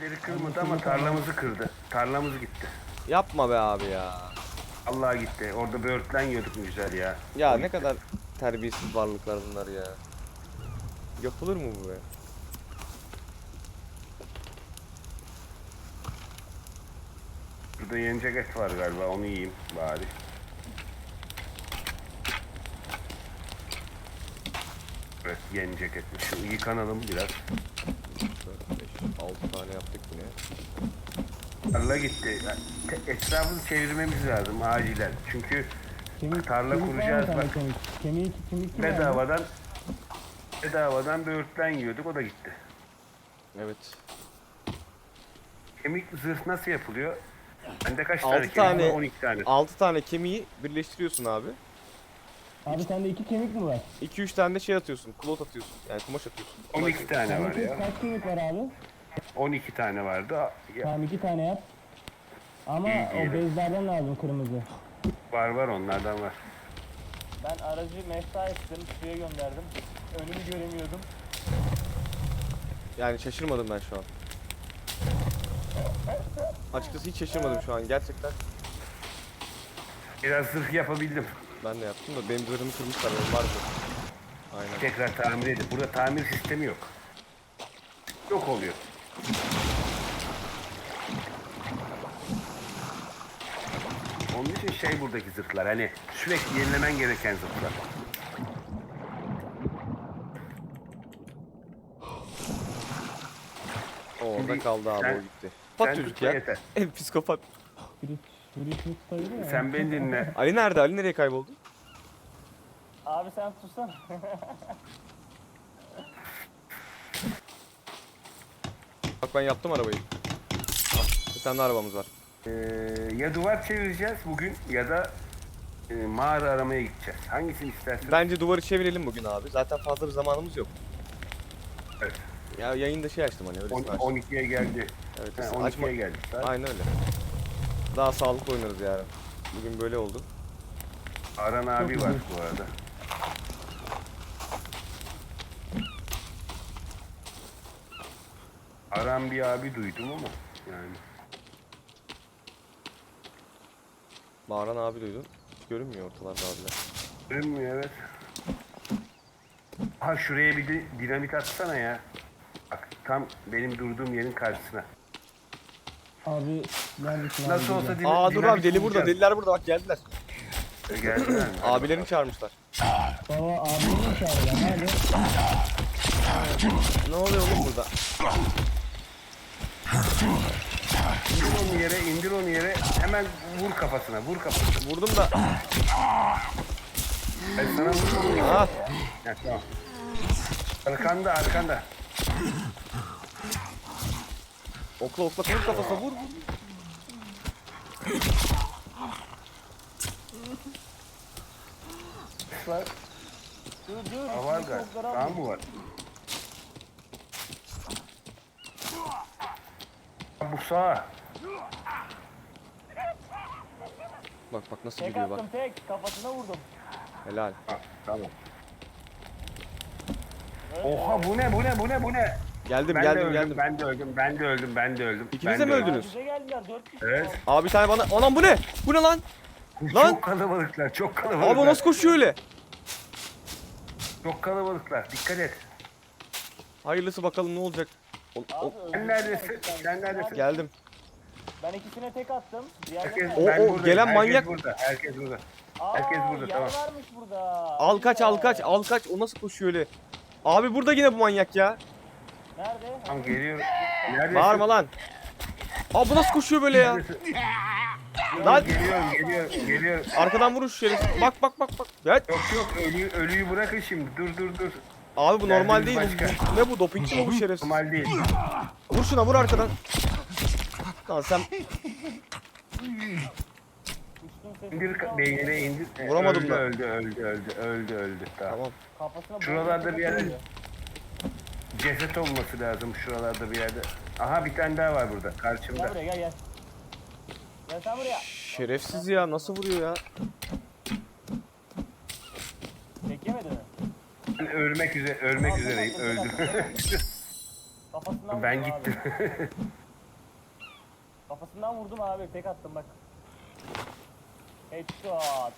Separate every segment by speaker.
Speaker 1: Kemikleri kırmadı ama tarlamızı kırdı. Tarlamız gitti.
Speaker 2: Yapma be abi ya.
Speaker 1: Allah gitti. Orada böğürtlen yiyorduk ne güzel ya.
Speaker 2: Ya
Speaker 1: O
Speaker 2: ne
Speaker 1: gitti.
Speaker 2: kadar terbiyesiz varlıklar bunlar ya. Yapılır mı bu be?
Speaker 1: Burada yenecek et var galiba, onu yiyeyim bari. Evet, yenecek etmiş. Şu yıkanalım biraz.
Speaker 2: 4, 5, 6 tane yaptık yine.
Speaker 1: Tarla gitti. Yani etrafını çevirmemiz lazım acilen. Çünkü tarla kuracağız
Speaker 3: var mı
Speaker 1: bak.
Speaker 3: sana kemik? Kemik kim
Speaker 1: Bedavadan böğürtlen yiyorduk, o da gitti.
Speaker 2: Evet.
Speaker 1: Kemik zırh nasıl yapılıyor? Bende kaç
Speaker 2: 6
Speaker 1: tane kemik var?
Speaker 2: tane
Speaker 1: 12 tane.
Speaker 2: 6 tane kemiği birleştiriyorsun abi.
Speaker 3: Abi sende 2 kemik mi var?
Speaker 2: 2-3 tane de şey atıyorsun. Klot atıyorsun. Yani kumaş atıyorsun.
Speaker 1: 12 tane var
Speaker 3: Sende
Speaker 1: ya.
Speaker 3: kaç kemik var abi?
Speaker 1: 12 tane vardı. Ya,
Speaker 3: Tamam 2 tane yap. Ama
Speaker 1: İyi
Speaker 3: o
Speaker 1: diyelim.
Speaker 3: bezlerden lazım kırmızı.
Speaker 1: var onlardan var.
Speaker 4: Ben aracı mefta ettim, suya gönderdim. Önümü göremiyordum.
Speaker 2: Yani şaşırmadım ben şu an. Açıkçası hiç şaşırmadım şu an gerçekten.
Speaker 1: Biraz zırh yapabildim.
Speaker 2: Ben de yaptım da benim zırhımı kırmışlar. Benim var mı? Aynen.
Speaker 1: Tekrar tamir edip. Burada tamir sistemi yok. Yok oluyor. Onun için şey buradaki zırhlar, hani sürekli yenilemen gereken zırhlar.
Speaker 2: O orada kaldı abi
Speaker 1: sen-
Speaker 2: o gitti. Pat
Speaker 1: sen
Speaker 2: çocuk
Speaker 1: tutma
Speaker 2: ya.
Speaker 1: yeter.
Speaker 2: En psikopat.
Speaker 3: Biri sayılır ya.
Speaker 1: Sen beni dinle.
Speaker 2: Ali nerede? Ali nereye kayboldu?
Speaker 4: Abi sen tutsana.
Speaker 2: Bak ben yaptım arabayı. Bir tane de arabamız var.
Speaker 1: Ya duvar çevireceğiz bugün ya da mağara aramaya gideceğiz. Hangisini istersin?
Speaker 2: Bence duvarı çevirelim bugün abi. Zaten fazla bir zamanımız yok.
Speaker 1: Evet.
Speaker 2: Ya yayında şey açtım hani öyle açtım.
Speaker 1: 12'ye geldi.
Speaker 2: Evet,
Speaker 1: Ha,
Speaker 2: açma.
Speaker 1: 12'ye geldi. Saat.
Speaker 2: Aynen öyle. Daha sağlıklı oynarız yani. Bugün böyle oldu.
Speaker 1: Aran abi var bu arada. Aran bir abi duydum ama yani.
Speaker 2: Bağıran abi duydun. Hiç görünmüyor ortalarda abiler.
Speaker 1: Görünmüyor, evet. Ha, şuraya bir de dinamit atsana ya. Bak tam benim durduğum yerin karşısına.
Speaker 3: Abi neredesin abi?
Speaker 1: Nasıl olsa
Speaker 2: Aa dur abi deli burada.
Speaker 1: bulacağız.
Speaker 2: Deliler burada bak geldiler.
Speaker 1: Geldiler mi?
Speaker 2: Abilerini çağırmışlar.
Speaker 3: Baba abimi mi çağırıyor? Nerede?
Speaker 2: Ne oluyor oğlum burada?
Speaker 1: İndir onu yere, hemen vur kafasına, vur kafasına.
Speaker 2: Vurdum da.
Speaker 1: Ben sana vurdum.
Speaker 2: Ah.
Speaker 1: Ha, tamam. Arkanda.
Speaker 2: Okla okla vur kafasına vur.
Speaker 1: Var.
Speaker 4: Dur.
Speaker 1: Ha, var galiba. Daha mı var? Ha, bu sağ.
Speaker 2: Bak nasıl
Speaker 4: Tek
Speaker 2: gidiyor bak.
Speaker 4: attım tek. Kafasına vurdum.
Speaker 2: Helal.
Speaker 1: Ha, tamam. Oha, bu ne?
Speaker 2: Geldim
Speaker 1: Ben de
Speaker 2: geldim
Speaker 1: öldüm,
Speaker 2: geldim.
Speaker 1: ben de öldüm.
Speaker 2: İkiniz
Speaker 1: Ben
Speaker 2: de mi
Speaker 1: öldüm.
Speaker 2: öldünüz?
Speaker 4: Bize geldiler 4 kişi.
Speaker 1: Evet.
Speaker 2: Abi bir tane bana. Anam bu ne? Bu ne lan? Lan!
Speaker 1: Çok kalabalıklar, çok kalabalıklar.
Speaker 2: Abi o nasıl koşuyor öyle?
Speaker 1: Çok kalabalıklar, dikkat et.
Speaker 2: Hayırlısı bakalım ne olacak.
Speaker 4: Abi
Speaker 1: Sen neredesin? Sen neredesin?
Speaker 2: Geldim.
Speaker 4: Ben ikisine tek attım.
Speaker 1: Herkes,
Speaker 4: Diğerlerine...
Speaker 2: O-
Speaker 1: ben
Speaker 2: o
Speaker 1: buradayım.
Speaker 2: gelen
Speaker 1: Herkes
Speaker 2: manyak-
Speaker 1: burada, herkes burada.
Speaker 4: Aa,
Speaker 1: herkes burada,
Speaker 4: yer
Speaker 1: tamam.
Speaker 4: varmış burada.
Speaker 2: Al kaç al kaç al kaç. O nasıl koşuyor öyle? Abi burada yine bu manyak ya.
Speaker 4: Nerede?
Speaker 1: Tamam, geliyorum. Neredesin?
Speaker 2: Bağırma lan. Abi bu nasıl koşuyor böyle ya?
Speaker 1: Neredesin?
Speaker 2: Lan!
Speaker 1: Geliyorum.
Speaker 2: Arkadan vurun şu şerefsiz. Bak. Ya,
Speaker 1: Yok, ölüyü bırakın şimdi. Dur.
Speaker 2: abi bu normal değil.
Speaker 1: Derdimiz başka.
Speaker 2: Bu ne bu? Dopingçi mi bu şerefsiz?
Speaker 1: Normal değil.
Speaker 2: Vur şuna vur arkadan. Lan sen
Speaker 4: Uçtum sesi.
Speaker 1: İndir beynine indir.
Speaker 2: Vuramadım da.
Speaker 1: Öldü. Tamam.
Speaker 2: tamam.
Speaker 4: Kafasına
Speaker 1: Şuralarda bir yerde
Speaker 4: vuruyor.
Speaker 1: ceset olması lazım, şuralarda bir yerde. Aha, bir tane daha var burada,
Speaker 4: Gel
Speaker 1: karşımda.
Speaker 4: buraya gel. Gel sen buraya.
Speaker 2: Şerefsiz ya nasıl vuruyor ya?
Speaker 4: Tek yemedi mi?
Speaker 1: Ben ölmek üzereyim, öldüm.
Speaker 4: Kafasından
Speaker 1: Ben
Speaker 4: vurdum
Speaker 1: gittim.
Speaker 4: abi. Kafasından vurdum abi. Tek attım bak. Headshot.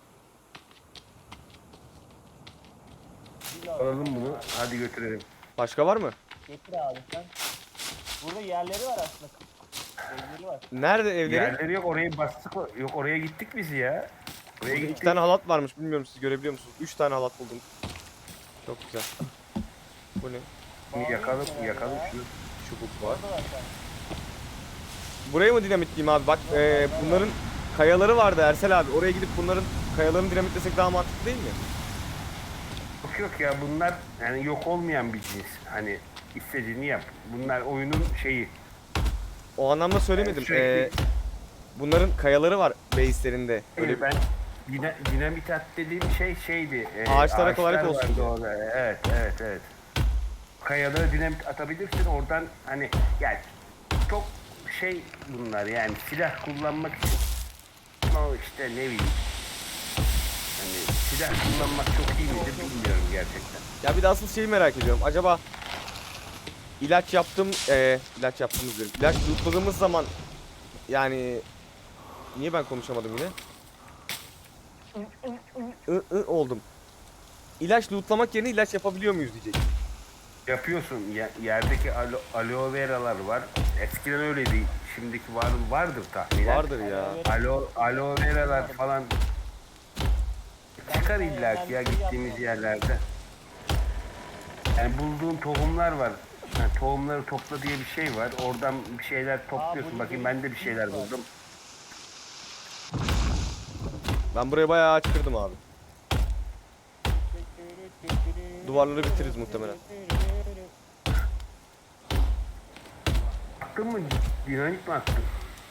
Speaker 1: Alalım bunu. Hadi götürelim.
Speaker 2: Başka var mı?
Speaker 4: Getir abi sen. Burada yerleri var aslında. Evleri var.
Speaker 2: Nerede evleri?
Speaker 1: Yerleri yok, oraya bastık. Yok, oraya gittik biz ya. Oraya
Speaker 2: Burada
Speaker 1: gittik.
Speaker 2: 2 tane halat varmış. Bilmiyorum siz görebiliyor musunuz? 3 tane halat buldum. Çok güzel. Bu ne?
Speaker 1: Bunu yakalım şunu.
Speaker 2: Çubuk var.
Speaker 4: Orada var sen.
Speaker 2: Buraya mı dinamitleyeyim abi? Bak bunların kayaları vardı Ersel abi. Oraya gidip bunların kayalarını dinamitlesek daha mantıklı değil mi?
Speaker 1: Yok ya, bunlar yani yok olmayan bir cins. Hani istediğini yap. Bunlar oyunun şeyi.
Speaker 2: O anlamda söylemedim.
Speaker 1: Sürekli-
Speaker 2: Bunların kayaları var base'lerinde. Öyle
Speaker 1: Ben dinamit at dediğim şey şeydi.
Speaker 2: Ağaçlara kolaylık
Speaker 1: ağaçlar
Speaker 2: olsun
Speaker 1: vardı
Speaker 2: diye.
Speaker 1: orada. Evet. Kayalara dinamit atabilirsin oradan, hani yani çok şey bunlar, yani silah kullanmak için. Ama işte ne bileyim. Hani silah kullanmak çok iyi midir bilmiyorum gerçekten.
Speaker 2: Ya bir de asıl şeyi merak ediyorum. Acaba ilaç yaptığımız diyorum. İlaç lootladığımız zaman yani niye ben konuşamadım yine? Oldum. İlaç lootlamak yerine ilaç yapabiliyor muyuz diyecek.
Speaker 1: Yapıyorsun. Yerdeki aloe veralar var. Eskiden öyleydi. Şimdiki vardır tahminen.
Speaker 2: Vardır ya.
Speaker 1: Aloe veralar falan çıkar illa ki ya gittiğimiz yerlerde. Yani bulduğun tohumlar var. Yani tohumları topla diye bir şey var. Oradan bir şeyler topluyorsun. Bakayım, ben de bir şeyler buldum.
Speaker 2: Ben buraya bayağı ağaç kırdım abi. Duvarları bitiririz muhtemelen.
Speaker 1: Attın mı? Dinamit mi attın?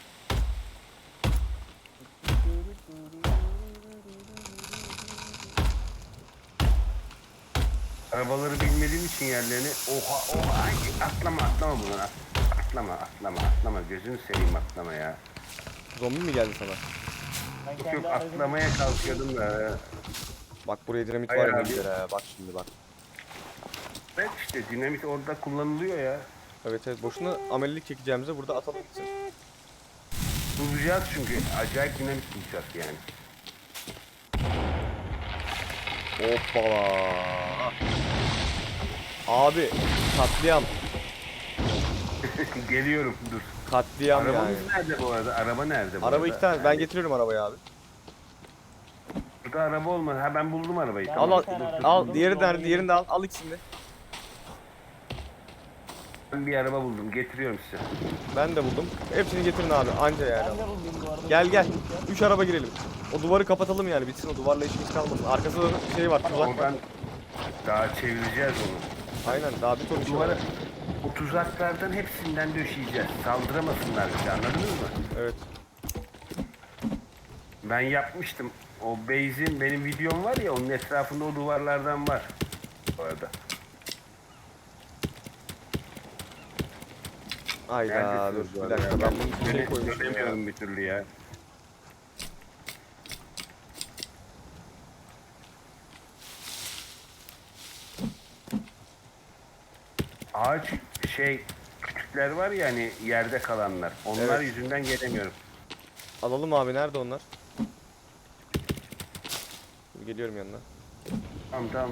Speaker 1: Arabaları bilmediğim için yerlerini, oha ay, atlama bunu, atlama, gözünü seveyim, atlama ya.
Speaker 2: Zombi mi geldi sana?
Speaker 4: Ben
Speaker 1: Yok
Speaker 4: kendi aracımı-
Speaker 1: atlamaya kalkıyordum da.
Speaker 2: Bak buraya dinamit
Speaker 1: Hayır
Speaker 2: var ya
Speaker 1: abi.
Speaker 2: güzel ha. Bak şimdi bak.
Speaker 1: Evet işte dinamit orada kullanılıyor ya.
Speaker 2: Evet boşuna amelilik çekeceğimize burada atalım gitsin.
Speaker 1: Bulacağız çünkü, acayip dinamit bulacağız yani.
Speaker 2: Hoppala. Abi katliam.
Speaker 1: Geliyorum, dur.
Speaker 2: Katliam yani.
Speaker 1: Arabamız nerede bu arada? Araba nerede bu
Speaker 2: Araba
Speaker 1: arada?
Speaker 2: 2 tane. Ben getiriyorum arabayı abi.
Speaker 1: Burada araba olmadı. Ha, ben buldum arabayı.
Speaker 4: Ben
Speaker 2: Al
Speaker 4: bir
Speaker 2: al.
Speaker 4: tane aracı
Speaker 2: Al.
Speaker 4: buldum,
Speaker 2: Diğeri
Speaker 4: sonra
Speaker 2: nerede? Diğerini de al. Al ikisini de.
Speaker 1: Ben bir araba buldum. Getiriyorum size.
Speaker 2: Ben de buldum. Hepsini getirin abi. Anca yani.
Speaker 4: Ben de buldum bu arada.
Speaker 2: Gel. 3 araba girelim. O duvarı kapatalım yani. Bitsin o duvarla işimiz kalmasın. Arkasında da şey var. Tuzak var.
Speaker 1: Oradan daha çevireceğiz onu.
Speaker 2: Aynen. Daha bir ton işi var.
Speaker 1: Duvara, o tuzaklardan hepsinden döşeyeceğiz. Saldıramasınlar bize, anladınız mı?
Speaker 2: Evet.
Speaker 1: Ben yapmıştım. O base'in, benim videom var ya, onun etrafında o duvarlardan var. Bu arada.
Speaker 2: Hayda
Speaker 1: Neredesiniz
Speaker 2: dur.
Speaker 1: bu
Speaker 2: Bir
Speaker 1: arada
Speaker 2: dakika.
Speaker 1: ya?
Speaker 2: Ben bunu bir şey koymuşum ya.
Speaker 1: Dönemiyorum bir türlü ya. Ağaç küçükler var ya, hani yerde kalanlar. Onlar
Speaker 2: Evet.
Speaker 1: yüzünden gelemiyorum.
Speaker 2: Alalım abi. Nerede onlar? Dur, geliyorum yanına.
Speaker 1: Tamam.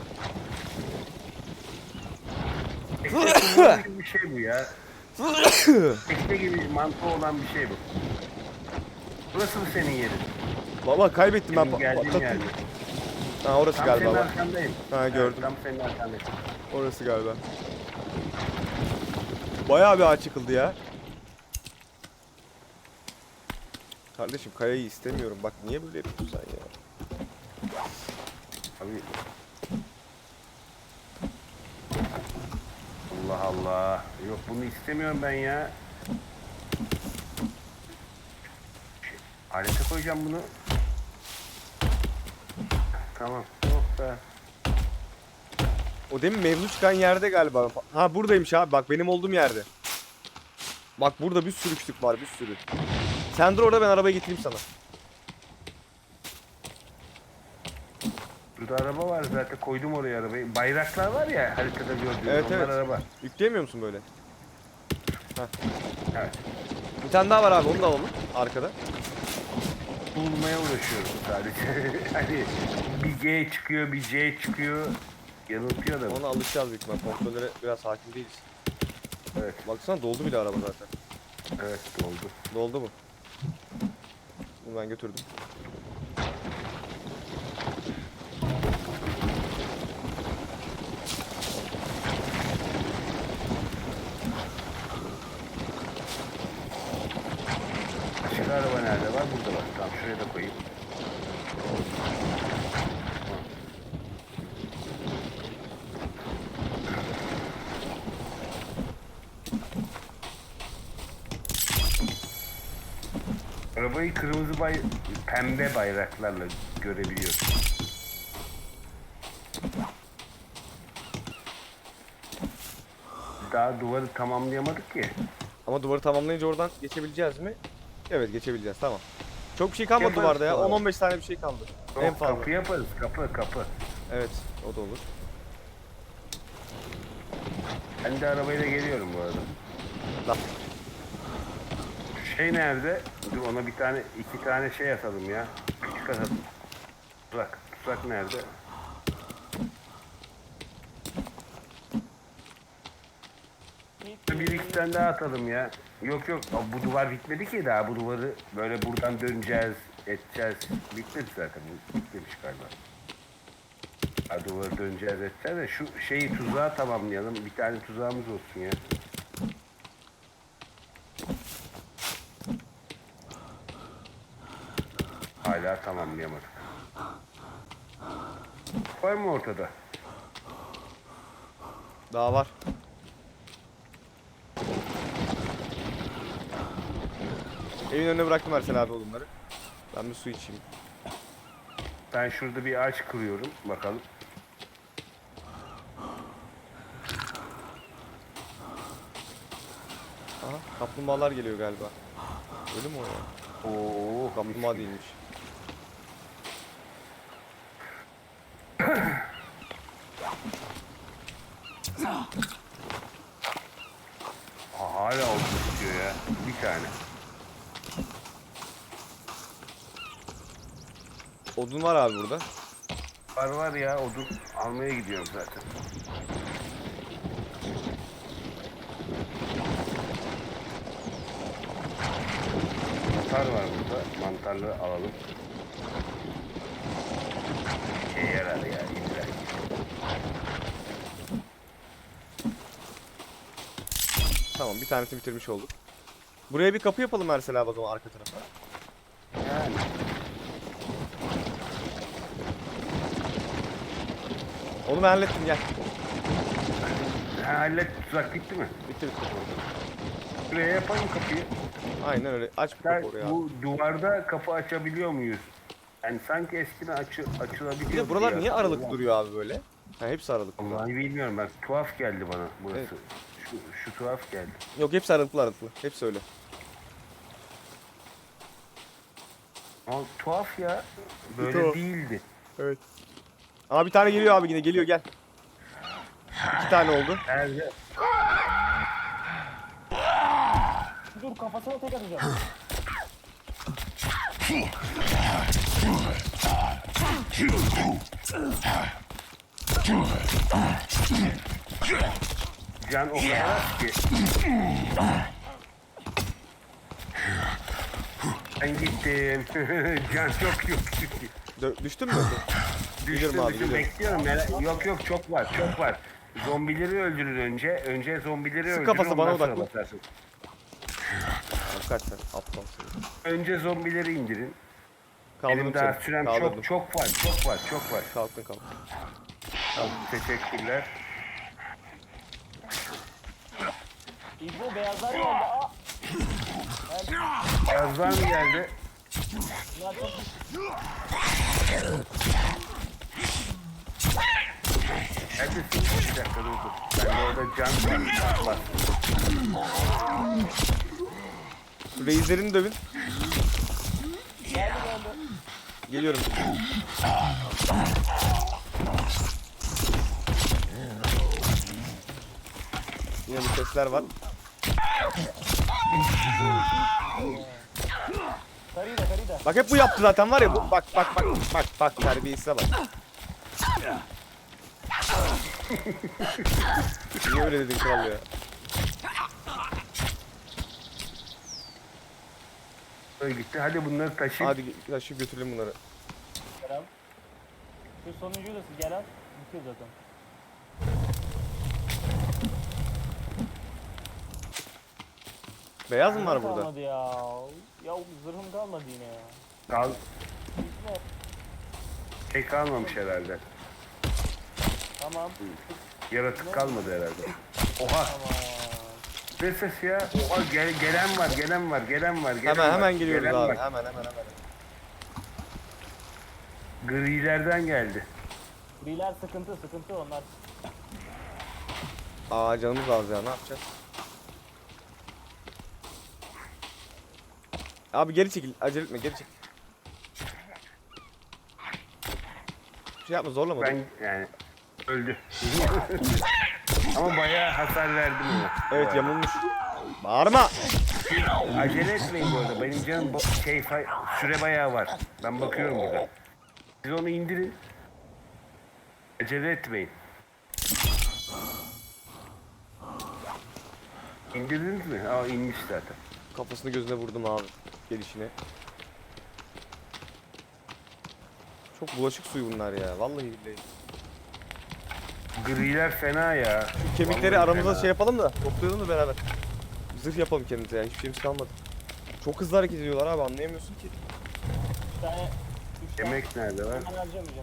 Speaker 1: Tekne gibi bir şey bu ya. Tekne gibi mantığı olan bir şey bu. Burası mı senin yerin?
Speaker 2: Valla kaybettim ben.
Speaker 1: Benim geldiğim
Speaker 2: Patlattım.
Speaker 1: yerde.
Speaker 2: Ha orası
Speaker 1: Tam
Speaker 2: galiba
Speaker 1: senin
Speaker 2: bak.
Speaker 1: arkandayım.
Speaker 2: Ha,
Speaker 1: Evet,
Speaker 2: gördüm.
Speaker 1: tam senin arkandayım.
Speaker 2: Orası galiba. Bayağı bir ağaç yıkıldı ya. Kardeşim kayayı istemiyorum. Bak niye böyle yapıyorsun sen ya?
Speaker 1: Abi. Allah Allah. Yok, bunu istemiyorum ben ya. Alete koyacağım bunu. Tamam. Oh be.
Speaker 2: O demin mevzu çıkan yerde galiba. Ha buradaymış abi. Bak benim olduğum yerde. Bak burada bir sürü kütük var. Bir sürü. Sen dur orada ben arabayı getireyim sana.
Speaker 1: Burada araba var zaten, koydum oraya arabayı. Bayraklar var ya haritada gördüğünüz,
Speaker 2: Evet,
Speaker 1: onlar
Speaker 2: evet.
Speaker 1: araba.
Speaker 2: Yükleyemiyor musun böyle?
Speaker 1: Evet.
Speaker 2: Bir tane daha var abi, onu da alalım arkada.
Speaker 1: Bulmaya uğraşıyorum sadece. Hani bir G çıkıyor, bir C çıkıyor. Yanıltıyor da.
Speaker 2: Ona alışacağız büyük ihtimal. Kontrollere biraz hakim değiliz.
Speaker 1: Evet,
Speaker 2: Baksana doldu bile araba zaten.
Speaker 1: evet doldu.
Speaker 2: Doldu mu? Bunu ben götürdüm.
Speaker 1: Başka araba nerede var? Burada var. Tamam şuraya da koyayım. Arabayı pembe bayraklarla görebiliyorsun. Daha duvarı tamamlayamadık ki.
Speaker 2: Ama duvarı tamamlayınca oradan geçebileceğiz mi? Evet, geçebileceğiz, tamam. Çok bir şey kalmadı
Speaker 1: Yaparız
Speaker 2: duvarda ya.
Speaker 1: sonra.
Speaker 2: 10-15 tane bir şey kaldı. En
Speaker 1: Yok,
Speaker 2: fazla.
Speaker 1: kapı yaparız. Kapı.
Speaker 2: Evet, o da olur.
Speaker 1: Ben de arabayla geliyorum bu arada.
Speaker 2: Lan.
Speaker 1: Şey nerede? Dur ona iki tane şey atalım ya. Küçük atalım. Tuzak nerede? Bir iki tane daha atalım ya. Yok. Bu duvar bitmedi ki daha. Bu duvarı böyle buradan döneceğiz, edeceğiz. Bitmedi zaten. Bitmemiş galiba. Ha, duvarı döneceğiz, edeceğiz de şu şeyi tuzağı tamamlayalım. Bir tane tuzağımız olsun ya. Hala tamamlayamadık. Var mı ortada?
Speaker 2: Daha var. Evin önüne bıraktım Ersel abi odunları. Ben bir su içeyim.
Speaker 1: Ben şurada bir ağaç kırıyorum. Bakalım.
Speaker 2: Aha, kaplumbağalar geliyor galiba. Öyle mi o ya?
Speaker 1: Oo,
Speaker 2: Kaplumbağa değilmiş.
Speaker 1: Hala oldu istiyor ya. Bir tane.
Speaker 2: Odun var abi burada.
Speaker 1: Var ya odun almaya gidiyorum zaten. Mantar var burada. Mantarları alalım. Şey yarar ya illa.
Speaker 2: Tamam, bir tanesini bitirmiş olduk. Buraya bir kapı yapalım Ersel abi o zaman arka tarafa.
Speaker 1: Yani.
Speaker 2: Onu ben hallettim, gel.
Speaker 1: Ha, hallet tuzak bitti mi?
Speaker 2: Bitti.
Speaker 1: Buraya yapalım kapıyı.
Speaker 2: Aynen öyle. Aç bir kapı oraya abi.
Speaker 1: Bu duvarda kapı açabiliyor muyuz? Yani sanki eskiden açılabiliyor.
Speaker 2: Bir de buralar
Speaker 1: diye
Speaker 2: niye aralıklı
Speaker 1: hatırlıyorum.
Speaker 2: duruyor abi böyle? Ha, hepsi aralıklı.
Speaker 1: Vallahi bilmiyorum ben. Tuhaf geldi bana burası.
Speaker 2: Evet.
Speaker 1: Şu tuhaf geldi.
Speaker 2: Yok, hepsi aralıklı. Hepsi öyle.
Speaker 1: Ama tuhaf ya. Böyle
Speaker 2: Tuhaf.
Speaker 1: değildi.
Speaker 2: Evet. Aa, bir tane geliyor abi, yine geliyor, gel. 2 tane oldu.
Speaker 1: Nerede?
Speaker 4: Dur kafasına tek atacağım.
Speaker 1: Can o kadar az ki. Ben gittim. Can çok yok.
Speaker 2: Düştün mü?
Speaker 1: Düştüm
Speaker 2: abi, geliyorum.
Speaker 1: bekliyorum. Yok çok var. Zombileri öldürür önce. Önce zombileri öldürür.
Speaker 2: kafası, bana
Speaker 1: ondan sonra
Speaker 2: odaklı.
Speaker 1: basarsın.
Speaker 2: Kaç sen? Aptal seni.
Speaker 1: Önce zombileri indirin.
Speaker 2: Kaldırdım
Speaker 1: Benim daha
Speaker 2: seni.
Speaker 1: sürem
Speaker 2: Kaldırdım.
Speaker 1: çok var.
Speaker 2: Kalktın.
Speaker 1: Tamam, teşekkürler.
Speaker 4: İbro beyazlar geldi. Aa!
Speaker 1: Beyazlar mı geldi?
Speaker 4: Ya çok
Speaker 1: Neredesin? Bir dakika dur. Ben de orada can var.
Speaker 2: Reislerini dövün.
Speaker 4: geldi.
Speaker 2: Geliyorum. Yine bir sesler var.
Speaker 4: Karıyı da karıyı da.
Speaker 2: Bak hep bu yaptı zaten var ya bu. Bak terbiyesize bak. Niye öyle dedin kral ya?
Speaker 1: Öyle gitti. Hadi bunları taşıyın.
Speaker 2: Hadi taşıyıp götürelim bunları.
Speaker 4: Gel al. Şu sonuncuyu da gel al. Bitiyor zaten.
Speaker 2: Beyaz mı var
Speaker 4: Zırhım
Speaker 2: burada?
Speaker 4: kalmadı ya. Ya zırhım kalmadı yine ya.
Speaker 1: Kal
Speaker 4: Gitme.
Speaker 1: şey kalmamış herhalde.
Speaker 4: Tamam.
Speaker 1: Yaratık kalmadı herhalde. Oha.
Speaker 4: Tamam.
Speaker 1: Ne ses ya? Oha gelen var. Gelen
Speaker 2: Hemen
Speaker 1: var,
Speaker 2: geliyoruz
Speaker 1: gelen
Speaker 2: abi.
Speaker 1: var.
Speaker 2: Hemen.
Speaker 1: Grilerden geldi.
Speaker 4: Griler sıkıntı onlar.
Speaker 2: Aa canımız az ya ne yapacağız? Abi geri çekil. Acele etme geri çekil. Şey yapma zorlama.
Speaker 1: Ben yani öldü. Ama bayağı hasar verdim ona.
Speaker 2: Evet yamulmuş. Bağırma.
Speaker 1: Acele etmeyin bu arada. Benim canım süre bayağı var. Ben bakıyorum burada. Siz onu indirin. Acele etmeyin. İndirdiniz mi? Aa inmiş zaten.
Speaker 2: Kafasını gözüne vurdum abi. Gelişine. Çok bulaşık suyu bunlar ya. Vallahi billahi.
Speaker 1: Griler fena ya.
Speaker 2: Kemikleri
Speaker 1: Vallahi
Speaker 2: aramızda
Speaker 1: fena.
Speaker 2: şey yapalım da toplayalım da beraber. Zırh yapalım kendimize yani hiçbir şeyimiz kalmadı. Çok hızlı hareket ediyorlar abi anlayamıyorsun ki.
Speaker 4: 3 tane. 3 tane.
Speaker 1: Yemek nerede var?
Speaker 4: Ben harcamayacağım.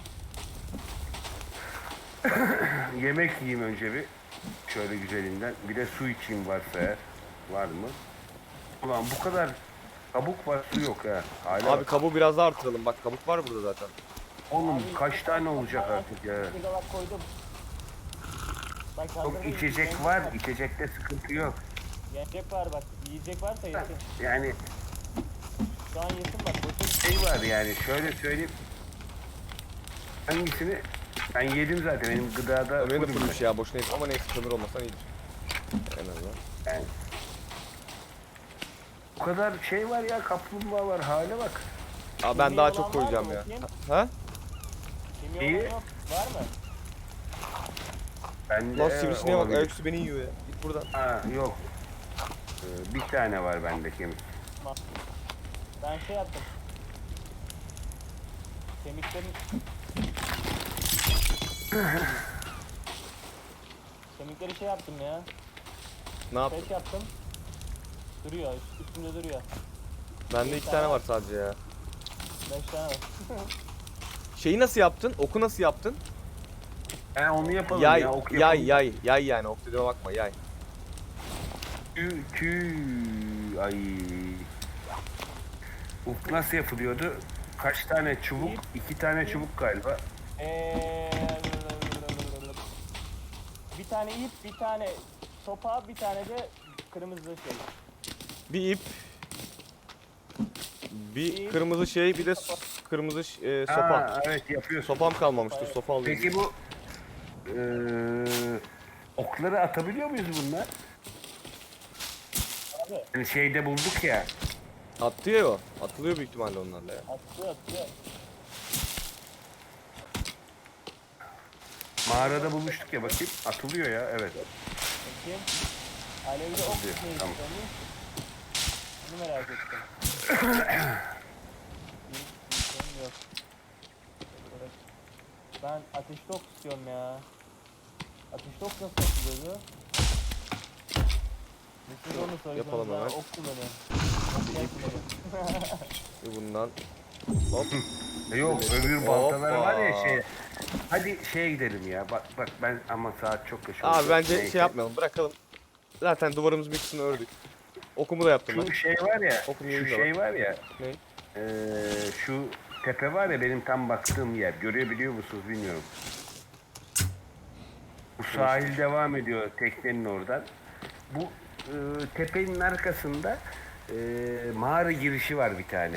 Speaker 1: Yemek yiyeyim önce bir. Şöyle güzelinden. Bir de su içeyim varsa eğer. Var mı? Ulan bu kadar kabuk var su yok ha. Hala
Speaker 2: Abi
Speaker 1: bak.
Speaker 2: kabuğu biraz daha artıralım bak kabuk var burada zaten.
Speaker 1: Oğlum kaç tane olacak artık ya.
Speaker 4: Bir dolap koydum. Ben
Speaker 1: Çok
Speaker 4: kaldırmayayım,
Speaker 1: içecek
Speaker 4: yiyecek
Speaker 1: var. İçecekte sıkıntı yok.
Speaker 4: Yiyecek var bak. Yiyecek varsa yesin.
Speaker 1: Yani
Speaker 4: Şu an yesin bak. Boşa
Speaker 1: şey var yani şöyle söyleyeyim. Hangisini? Ben yedim zaten. Benim gıdada
Speaker 2: Ömer'e de
Speaker 1: fullüm
Speaker 2: fırmış ya boşuna yedim ama neyse kömür olmasan iyidir. En azından.
Speaker 1: ben. Yani. Bu kadar şey var ya, kaplumbağa var. Hale bak.
Speaker 2: Aa ben
Speaker 4: Kemiği
Speaker 2: daha
Speaker 4: olan
Speaker 2: çok
Speaker 4: var
Speaker 2: koyacağım
Speaker 4: mı
Speaker 2: ya.
Speaker 4: bakayım?
Speaker 2: Ha?
Speaker 4: Kimya
Speaker 1: İyi.
Speaker 4: olan yok. Var mı?
Speaker 1: Bende
Speaker 2: Lan sivrisineğe bak
Speaker 1: olabilir.
Speaker 2: ayaküstü beni yiyor ya. Git buradan.
Speaker 1: Ha yok. Bir tane var bende kemik.
Speaker 4: Ben şey yaptım. Kemikleri şey yaptım ya.
Speaker 2: Ne yaptın?
Speaker 4: Pek yaptım. Duruyor. Üstünde duruyor.
Speaker 2: Bende 2 tane var sadece ya.
Speaker 4: 5 tane var.
Speaker 2: Şeyi nasıl yaptın? Oku nasıl yaptın?
Speaker 1: Onu yapalım
Speaker 2: Yay,
Speaker 1: ya. Ok
Speaker 2: yay,
Speaker 1: yapalım.
Speaker 2: yay yani ok dediğime bakma yay.
Speaker 1: Ay. Uf nasıl yapılıyordu? Kaç tane çubuk? 2 tane çubuk galiba.
Speaker 4: Bir tane ip, bir tane sopa, bir tane de kırmızı şey.
Speaker 2: Bir ip, bir
Speaker 4: İp.
Speaker 2: kırmızı şey, bir de kırmızı sopa.
Speaker 1: Ha, evet yapıyorsun.
Speaker 2: Sopam kalmamıştır, sopa alayım.
Speaker 1: Peki bu okları atabiliyor muyuz bunlar?
Speaker 4: Abi
Speaker 1: Hani şeyde bulduk ya.
Speaker 2: Atıyor ya o. Atılıyor büyük ihtimalle onlarla ya.
Speaker 4: atıyor.
Speaker 1: Mağarada bulmuştuk ya, bakayım. Atılıyor ya, evet.
Speaker 4: Bakayım. Alevli ok
Speaker 1: Atıyor,
Speaker 4: neydi
Speaker 1: tamam.
Speaker 4: sanırım? Bunu merak ettim. Yok. Ben ateşli ok istiyorum ya. Ateşli ok nasıl yapılıyordu? Siz onu söylediniz,
Speaker 2: Yapalım
Speaker 4: ben
Speaker 2: hemen.
Speaker 4: ok kullanıyorum. Ok kullanıyorum.
Speaker 2: Bundan hop.
Speaker 1: Yok, öbür baltalar var ya
Speaker 2: Hoppa.
Speaker 1: şey. Hadi şeye gidelim ya. Bak ben ama saat çok geç oldu.
Speaker 2: Abi bence
Speaker 1: Neyse.
Speaker 2: şey yapmayalım, bırakalım. Zaten duvarımız bir kısmını ördük. Okumu da yaptım ben.
Speaker 1: Şu şey var ya.
Speaker 2: Okum
Speaker 1: Şu
Speaker 2: yayında
Speaker 1: şey var ya.
Speaker 2: Ne?
Speaker 1: Şu tepe var ya, benim tam baktığım yer. Görebiliyor musunuz bilmiyorum. Bu sahil devam ediyor teknenin oradan. Bu tepenin arkasında mağara girişi var bir tane.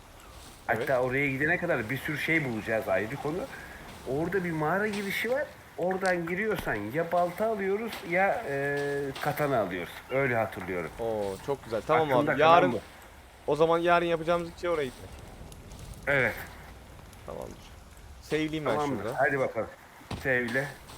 Speaker 1: Hatta oraya gidene kadar bir sürü şey bulacağız, ayrı konu. Orada bir mağara girişi var. oradan giriyorsan ya balta alıyoruz ya katana alıyoruz. Öyle hatırlıyorum.
Speaker 2: Oo çok güzel. Tamam
Speaker 1: Aklımda
Speaker 2: abi.
Speaker 1: kalan
Speaker 2: Yarın
Speaker 1: bu.
Speaker 2: o zaman yarın yapacağımız ilk şey oraya gitmek.
Speaker 1: Evet.
Speaker 2: Tamamdır. Save'leyeyim ben
Speaker 1: Tamamdır.
Speaker 2: şurada.
Speaker 1: Hadi bakalım. Sevle.